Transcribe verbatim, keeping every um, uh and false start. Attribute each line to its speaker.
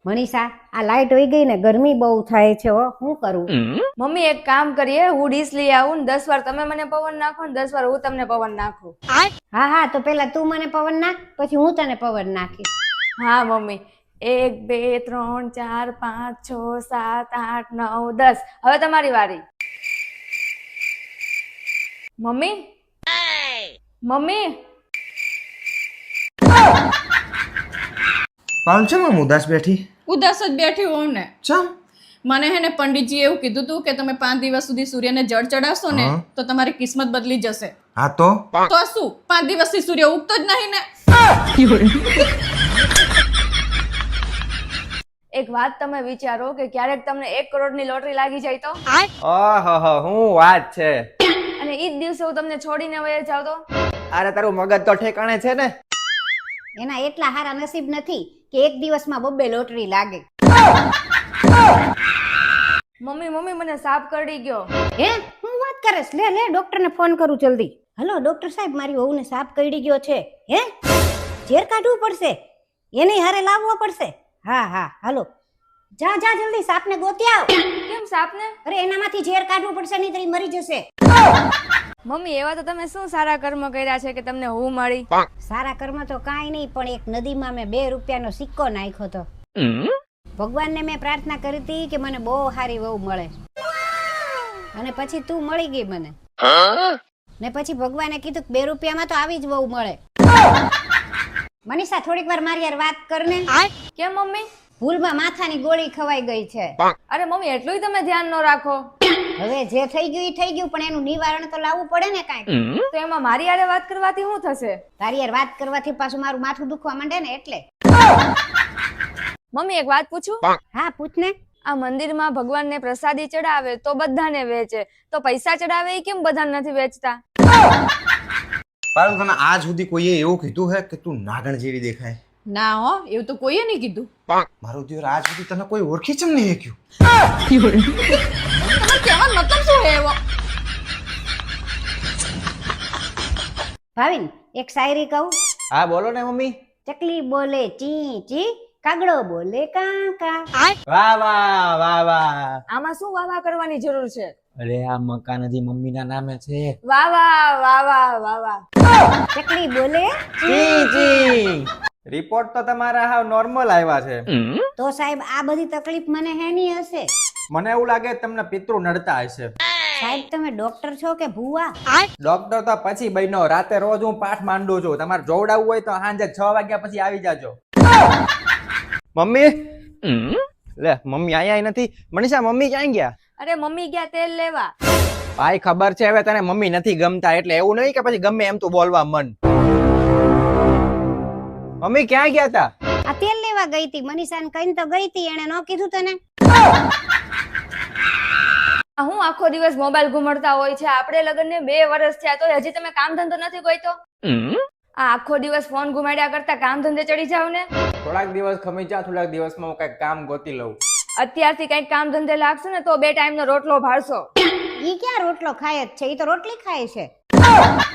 Speaker 1: મનીષા, આ લાઈટ વહી ગઈ ને ગરમી બહુ થાય છે હો, શું કરું?
Speaker 2: મમ્મી એક કામ કરીએ, હું ડીશ લઈ આવું ને દસ વાર તમે મને પવન નાખો ને દસ વાર હું તમને પવન નાખું.
Speaker 1: હા હા, તો પેલા તું મને પવન નાખ, પછી હું તને પવન નાખીશ.
Speaker 2: હા મમ્મી, એક બે ત્રણ ચાર પાંચ છ સાત આઠ નવ દસ. હવે તમારી વારી. મમ્મી મમ્મી
Speaker 3: પાલ છે આમ ઉદાસ બેઠી?
Speaker 4: ઉદાસ જ બેઠી હોઉં ને.
Speaker 3: ચમ?
Speaker 4: મને હે ને પંડિતજી એવું કીધું તું કે તમે પાંચ દિવસ સુધી સૂર્યને જળ ચડાવશો ને
Speaker 3: હા.
Speaker 4: તો તમારી કિસ્મત બદલી જશે.
Speaker 3: હા તો
Speaker 4: તો શું પાંચ દિવસથી સૂર્ય ઉગતો જ નહીં ને.
Speaker 2: એક વાત તમે વિચારો કે ક્યારેક તમને એક કરોડની લોટરી લાગી જાય તો,
Speaker 5: ઓહો હું વાત છે.
Speaker 2: અને ઈ જ દિવસે હું તમને છોડીને વહી જાવ તો?
Speaker 5: અરે તારું મગજ તો ઠેકાણે છે ને.
Speaker 1: એના એટલા હારા નસીબ નથી કે એક દિવસમાં બબ્બે લોટરી લાગે.
Speaker 2: મમ્મી મમ્મી મને સાપ કરડી ગયો.
Speaker 1: હે, હું વાત કરેશ? લે લે ડોક્ટરને ફોન કરું જલ્દી. હલો ડોક્ટર સાહેબ, મારી વહુને સાપ કરડી ગયો છે. હે, ઝેર કાઢવું પડશે, એને હારે લાવવો પડશે. હા હા, હાલો જા જા જલ્દી સાપને ગોતી આવ.
Speaker 2: કેમ સાપને?
Speaker 1: અરે એનામાંથી ઝેર કાઢવું પડશે, નહીં તો ઈ મરી જશે.
Speaker 2: મમ્મી એવા તો તમે શું સારા કર્મ કર્યા છે કે તમને હું મળી?
Speaker 1: સારા કર્મ તો કાંઈ નહીં, પણ એક નદીમાં મેં બે રૂપિયાનો સિક્કો નાખ્યો તો. ભગવાનને મેં પ્રાર્થના કરી હતી કે મને બહુ સારી વહુ મળે, અને પછી તું મળી ગઈ મને. ને પછી ભગવાને કીધું કે બે રૂપિયામાં તો આવી જ વહુ મળે. મનીષા, થોડીક વાર મારી યાર વાત કરને.
Speaker 2: કેમ મમ્મી?
Speaker 1: ભૂલમાં માથાની ગોળી ખવાઈ ગઈ છે.
Speaker 2: અરે મમ્મી એટલું તમે ધ્યાન ન રાખો.
Speaker 1: હવે જે થઈ ગયું ઈ થઈ ગયું, પણ એનું નિવારણ તો લાવવું પડે ને કાંઈક.
Speaker 2: તો એમાં મારી હારે વાત કરવાથી શું થશે?
Speaker 1: તારી યાર વાત કરવાથી પાછું મારું માથું દુખવા માંડે ને એટલે.
Speaker 2: મમ્મી એક વાત પૂછું?
Speaker 1: હા પૂછ ને.
Speaker 2: આ મંદિરમાં ભગવાનને પ્રસાદી ચડાવે તો બધાને વેચે, તો પૈસા ચડાવે એ કેમ બધાને નથી વેચતા?
Speaker 3: પાલ, તને આજ સુધી કોઈએ એવું કીધું હે કે તું નાગણ જેવી દેખાય?
Speaker 4: ના હો, એવું તો કોઈએ નહીં કીધું.
Speaker 3: મારું દિયર આજ સુધી તને કોઈ ઓળખી ચમ નહીં શક્યું?
Speaker 4: તમારે કહેવાનો મતલબ શું હે એવો?
Speaker 1: ભાવિન, એક શાયરી કહું?
Speaker 5: હા બોલો ને મમ્મી.
Speaker 1: ચકલી બોલે ચી ચી, કાગડો બોલે કા કા.
Speaker 5: વાહ વાહ વાહ વાહ.
Speaker 2: આમાં શું વાહ વાહ કરવાની જરૂર છે?
Speaker 5: અરે આ મકાન હજી મમ્મીના નામે છે.
Speaker 2: વાહ વાહ વાહ વાહ વાહ વાહ.
Speaker 1: ચકલી બોલે.
Speaker 5: જી જી. રિપોર્ટ તો તમારા હાવ નોર્મલ આવ્યા છે.
Speaker 1: તો સાહેબ આ બધી તકલીફ મને હેની હશે?
Speaker 5: મને એવું લાગે તમને પિતૃ નડતા હશે.
Speaker 1: સાહેબ તમે ડોક્ટર છો કે ભૂવા?
Speaker 5: ડોક્ટર તો પછી બન્યો, રાતે રોજ હું પાઠ માંડું છું. તમારે જોવડાવવું હોય તો સાંજે છ વાગ્યા પછી આવી જાજો. મમ્મી લે, મમ્મી આયા નથી. મનીષા મમ્મી ક્યાં ગયા?
Speaker 2: અરે મમ્મી ગયા તેલ લેવા.
Speaker 5: ભાઈ ખબર છે હવે તને મમ્મી નથી ગમતા, એટલે એવું નહીં કે પછી ગમે એમ તું બોલવા મન. મમ્મી ક્યાં ગયા તા?
Speaker 1: આ તેલ લેવા ગઈ હતી. મનીષાને કહીને તો ગઈ હતી, એને ન કીધું તને?
Speaker 2: આ હું આખો દિવસ મોબાઈલ ઘુમાડતા હોય છે? આપણે લગ્નને બે વર્ષ થયા તો હજી તમે કામ ધંધો નથી ગોઈતો? આ આખો દિવસ ફોન ઘુમાડ્યા કરતા કામ ધંધે ચડી જાવ ને.
Speaker 5: થોડાક દિવસ ખમી જા, થોડાક દિવસમાં હું કઈક કામ ગોતી લઉં.
Speaker 2: અત્યારથી કઈક કામ ધંધે લાગશે ને તો બે ટાઈમ નો રોટલો ભાળશો.
Speaker 1: ઈ ક્યાં રોટલો ખાય જ છે? ઈ તો રોટલી ખાય છે.